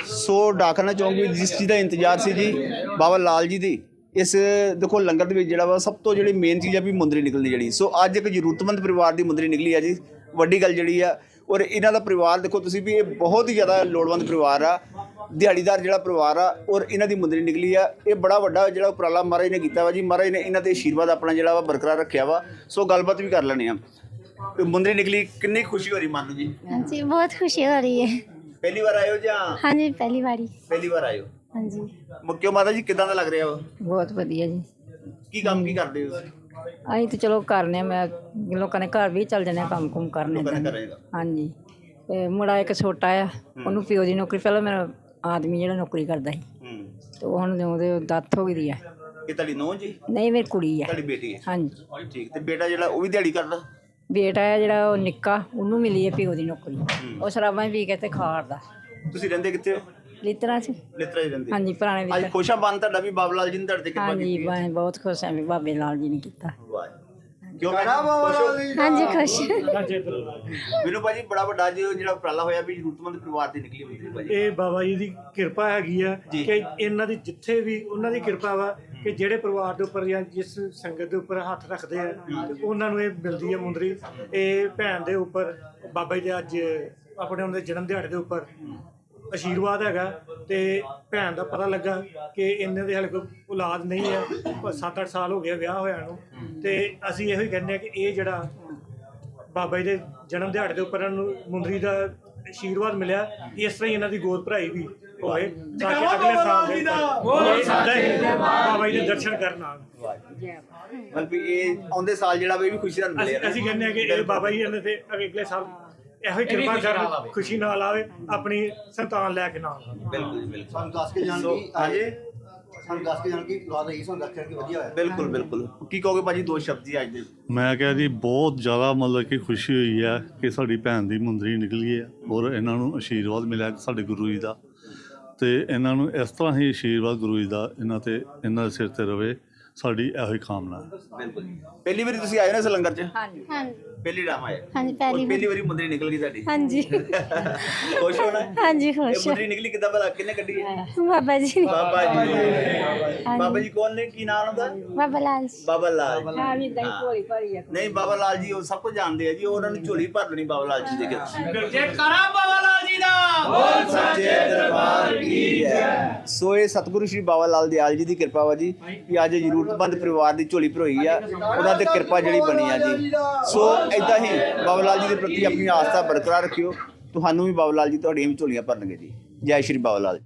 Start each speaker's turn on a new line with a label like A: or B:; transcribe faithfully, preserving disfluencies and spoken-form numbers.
A: सो डाकना चाहूँगी जिस चीज़ का इंतजार से जी बाबा लाल जी की इस देखो लंगर के जोड़ा वा सब तो जी मेन चीज़ है भी मुंदरी निकलनी जी। सो अज एक जरूरतमंद परिवार की मुंदरी निकली है जी, वड्डी गल जी है। और इन्हों का परिवार देखो तुसीं भी, ये बहुत ही ज़्यादा लोड़वंद परिवार आ, दिहाड़ीदार जो परिवार आ, और इन्हों की मुंदरी निकली है। ये बड़ा वड्डा जो उपराला महाराज ने किया वा जी, महाराज ने इन्हों के आशीर्वाद अपना जो बरकरार रखा वा। सो गलबात भी कर लेने आ। मुंदरी निकली, कितनी खुशी हो रही मानो जी?
B: हाँ जी, बहुत खुशी हो रही है।
A: पहली बार आए हो या?
B: हाँ जी, पहली बारी।
A: पहली बार आए हो?
B: हाँ जी।
A: मुक्यो माता जी किदां दा लग रहा वा?
C: बहुत वधिया जी।
A: की काम की करते हो?
C: ਅਸੀਂ ਤਾਂ ਚਲੋ ਕਰਨੇ, ਮੈਂ ਲੋਕਾਂ ਦੇ ਘਰ ਵੀ ਚੱਲ ਜਾਂਦੇ ਹਾਂ ਕੰਮ ਕੁਮ ਕਰਨੇ
A: ਲੋਕਾਂ ਦੇ
C: ਏਦਾਂ।
A: ਕਰੇਗਾ।
C: ਹਾਂਜੀ, ਤੇ ਮੁੰਡਾ ਇੱਕ ਛੋਟਾ ਆ, ਉਹਨੂੰ ਪਿਓ ਦੀ ਨੌਕਰੀ, ਪਹਿਲਾਂ ਮੇਰਾ ਆਦਮੀ ਜਿਹੜਾ ਨੌਕਰੀ ਕਰਦਾ ਸੀ,
A: ਹੂੰ,
C: ਤੇ ਉਹ ਹੁਣ ਉਹਦੇ ਡੈਥ ਹੋ ਗਈ ਦੀ ਆ।
A: ਇਹ ਤੁਹਾਡੀ ਨੂੰਹ ਜੀ?
C: ਨਹੀਂ, ਮੇਰੀ ਕੁੜੀ ਆ।
A: ਤੁਹਾਡੀ ਬੇਟੀ ਹੈ?
C: ਹਾਂਜੀ।
A: ਠੀਕ। ਤੇ ਬੇਟਾ ਜਿਹੜਾ ਉਹ ਵੀ ਦਿਹਾੜੀ ਕਰਦਾ?
C: ਬੇਟਾ ਆ ਜਿਹੜਾ ਉਹ ਨਿੱਕਾ, ਉਹਨੂੰ ਮਿਲੀ ਹੈ ਪਿਓ ਦੀ ਨੌਕਰੀ, ਉਹ ਸ਼ਰਾਬਾਂ ਹੀ ਪੀ ਕੇ ਤੇ ਖਾੜਦਾ।
A: ਤੁਸੀਂ ਰਹਿੰਦੇ ਕਿੱਥੇ ਹੋ?
C: ਲਿੱਤਰਾਂ 'ਚ।
A: ਲਿਤਰਾ ਹੀ ਰਹਿੰਦੇ?
C: ਹਾਂਜੀ, ਪੁਰਾਣੇ
A: ਅੱਜ
C: ਲਿੱਤਰ।
A: ਖੁਸ਼ਾ ਬੰਨ ਤੁਹਾਡਾ ਵੀ ਬਾਬਾ ਲਾਲ ਜੀ ਨੇ ਤੁਹਾਡੇ ਤੇ ਕਿਰਪਾ
C: ਹਾਂਜੀ,
A: ਕੀਤੀ ਹੈ।
C: ਮੈਂ ਬਹੁਤ ਖੁਸ਼ ਹਾਂ ਵੀ ਬਾਬੇ ਲਾਲ ਜੀ ਨੇ ਕੀਤਾ।
A: ਵਾਹ, ਕਿਉਂ ਕਹਿਣਾ ਬਾਬਾ ਲਾਲ ਜੀ?
B: हाँ जी, खुश।
A: ਮੈਨੂੰ ਭਾਜੀ ਬੜਾ ਵੱਡਾ ਜੋ ਜਿਹੜਾ ਉਪਰਾਲਾ ਹੋਇਆ ਵੀ ਜ਼ਰੂਰਤਮੰਦ ਪਰਿਵਾਰ ਦੀ ਨਿਕਲੀ ਹੁੰਦੀ ਭਾਜੀ।
D: ਇਹ ਬਾਬਾ ਜੀ ਦੀ ਕਿਰਪਾ ਹੈਗੀ ਆ
A: ਜੀ।
D: ਕਿ ਇਹਨਾਂ ਦੀ ਜਿੱਥੇ ਵੀ ਉਹਨਾਂ ਦੀ ਕਿਰਪਾ ਵਾ ਕਿ ਜਿਹੜੇ ਪਰਿਵਾਰ ਦੇ ਉੱਪਰ ਜਾਂ ਜਿਸ ਸੰਗਤ ਦੇ ਉੱਪਰ ਹੱਥ ਰੱਖਦੇ ਆ ਤੇ ਉਹਨਾਂ ਨੂੰ ਇਹ ਮਿਲਦੀ ਹੈ ਮੁੰਦਰੀ। ਇਹ ਭੈਣ ਦੇ ਉੱਪਰ ਬਾਬਾ ਜੀ ਦੇ ਅੱਜ ਆਪਣੇ ਉਹਨਾਂ ਦੇ ਜਨਮ ਦਿਹਾੜੇ ਦੇ ਉੱਪਰ ਆਸ਼ੀਰਵਾਦ ਹੈਗਾ। ਤੇ ਭੈਣ ਦਾ ਪਤਾ ਲੱਗਾ ਕਿ ਇਹਨਾਂ ਦੇ ਹਾਲੇ ਕੋਈ ਔਲਾਦ ਨਹੀਂ ਹੈ, ਸੱਤ ਅੱਠ ਸਾਲ ਹੋ ਗਏ ਵਿਆਹ ਹੋਇਆ ਨੂੰ। ਤੇ ਅਸੀਂ ਇਹੋ ਹੀ ਕਹਿੰਦੇ ਹਾਂ ਕਿ ਇਹ ਜਿਹੜਾ ਬਾਬਾ ਜੀ ਦੇ ਜਨਮ ਦਿਹਾੜੇ ਦੇ ਉੱਪਰ ਇਹਨਾਂ ਨੂੰ ਮੁੰਦਰੀ ਦਾ ਆਸ਼ੀਰਵਾਦ ਮਿਲਿਆ, ਇਸ ਤਰ੍ਹਾਂ ਹੀ ਇਹਨਾਂ ਦੀ ਗੋਦ ਭਰਾਈ ਵੀ ਹੋਵੇ ਤਾਂ ਕਿ ਅਗਲੇ ਸਾਲ ਦੇ ਉੱਪਰ ਬਾਬਾ ਜੀ ਦੇ ਦਰਸ਼ਨ ਕਰਨ ਆਉਣ।
A: ਮਤਲਬ ਵੀ ਇਹ ਆਉਂਦੇ ਸਾਲ ਜਿਹੜਾ ਵੀ ਇਹ ਵੀ ਖੁਸ਼ੀ ਨਾਲ ਮਿਲਿਆ।
D: ਅਸੀਂ ਕਹਿੰਦੇ ਹਾਂ ਕਿ ਇਹ ਬਾਬਾ ਜੀ ਇਹਨਾਂ ਤੇ ਅਗਲੇ ਸਾਲ ਇਹੋ ਹੀ ਕਿਰਪਾ ਕਰਨ, ਖੁਸ਼ੀ ਨਾਲ ਆਵੇ, ਆਪਣੀ ਸੰਤਾਨ ਲੈ ਕੇ ਨਾਲ।
A: ਬਿਲਕੁਲ ਜੀ, ਬਿਲਕੁਲ।
E: ਸਾਨੂੰ ਦੱਸ ਕੇ ਜਾਣ
A: ਸੋ,
E: ਦੀ
A: ਹਾਂਜੀ
E: ਸਾਨੂੰ ਦੱਸ ਕੇ ਜਾਣ ਦੀ ਔਲਾਦ ਰਹੀ, ਸਾਨੂੰ ਦੱਸਿਆ ਕਿ ਵਧੀਆ ਹੋਇਆ।
A: ਬਿਲਕੁਲ ਬਿਲकुल। ਕੀ ਕਹੋਗੇ ਭਾਜੀ ਦੋ ਸ਼ਬਦ ਜੀ ਅੱਜ ਦੇ?
F: ਮੈਂ ਕਿਹਾ ਜੀ ਬਹੁਤ ਜ਼ਿਆਦਾ ਮਤਲਬ ਕਿ ਖੁਸ਼ੀ ਹੋਈ ਹੈ ਕਿ ਸਾਡੀ ਭੈਣ ਦੀ ਮੁੰਦਰੀ ਨਿਕਲੀ ਹੈ, ਔਰ ਇਹਨਾਂ ਨੂੰ ਆਸ਼ੀਰਵਾਦ ਮਿਲਿਆ ਸਾਡੇ ਗੁਰੂ ਜੀ ਦਾ। ਤੇ ਇਹਨਾਂ ਨੂੰ ਇਸ ਤਰ੍ਹਾਂ ਹੀ ਆਸ਼ੀਰਵਾਦ ਗੁਰੂ ਜੀ ਦਾ ਇਹਨਾਂ ਤੇ ਇਹਨਾਂ ਦੇ ਸਿਰ ਤੇ ਰਵੇ, ਸਾਡੀ ਇਹੋ ਹੀ ਕਾਮਨਾ ਹੈ।
A: ਬਿਲਕੁਲ। ਪਹਿਲੀ ਵਾਰੀ ਤੁਸੀਂ ਆਏ ਹੋ ਨਾ ਇਸ ਲੰਗਰ 'ਚ?
C: ਹਾਂਜੀ।
B: हाँ
A: ਪਹਿਲੀ ਟਾਈਮ ਆਏ?
B: हाँ जी, पहली
A: ਔਰ ਪਹਿਲੀ ਵਾਰੀ ਮੁੰਦਰੀ ਨਿਕਲ ਗਈ ਤੁਹਾਡੀ?
B: हाँ जी।
A: ਖੁਸ਼ ਹੋਣਾ?
B: हाँ जी,
A: ਇਹ
B: खुश।
A: ਮੁੰਦਰੀ ਨਿਕਲੀ ਕਿੱਦਾਂ ਭਲਾ? ਕਿਹਨੇ ਕੱਢੀ ਹੈ?
B: बाबा जी ने।
A: ਬਾਬਾ ਜੀ। ਬਾਬਾ ਜੀ ਕੌਣ ਨੇ? ਕੀ ਨਾਮ ਉਹਦਾ?
B: बाबा लाल जी।
A: ਬਾਬਾ ਲਾਲ।
C: ਹਾਂ ਵੀ ਦਹੀਂ ਭੋਲੀ ਭਰੀ ਆ।
A: ਨਹੀਂ, ਬਾਬਾ ਲਾਲ ਜੀ ਉਹ ਸਭ ਕੁਝ ਜਾਣਦੇ ਆ ਜੀ, ਉਹਨਾਂ ਨੂੰ ਝੋਲੀ ਭਰ ਦੇਣੀ ਬਾਬਾ ਲਾਲ ਜੀ ਦੇ ਕੇ।
G: ਜੇ ਕਰਾਂ ਬਾਬਾ ਲਾਲ ਜੀ ਦਾ
A: ਬੋਲ ਸੱਚੇ ਦਰਬਾਰ ਕੀ ਜੈ। ਸੋ ਇਹ ਸਤਿਗੁਰੂ ਸ਼੍ਰੀ ਬਾਬਾ ਲਾਲ ਦਿਆਲ ਜੀ ਦੀ ਕਿਰਪਾ ਵਾ ਜੀ ਕਿ ਅੱਜ ਜ਼ਰੂਰਤਮੰਦ ਪਰਿਵਾਰ ਦੀ ਝੋਲੀ ਭਰੋਈ ਆ, ਉਹਨਾਂ ਤੇ ਕਿਰਪਾ ਜਿਹੜੀ ਬਣੀ ਆ ਜੀ। ਸੋ ਏਦਾਂ ਹੀ ਬਾਬਾ ਲਾਲ ਜੀ ਦੇ ਪ੍ਰਤੀ ਆਪਣੀ ਆਸਥਾ ਬਰਕਰਾਰ ਰੱਖਿਓ, ਤੁਹਾਨੂੰ ਵੀ ਬਾਬਾ ਲਾਲ ਜੀ ਤੁਹਾਡੀਆਂ ਵੀ ਝੋਲੀਆਂ ਭਰਨਗੇ ਜੀ। ਜੈ ਸ਼੍ਰੀ ਬਾਬਾ ਲਾਲ।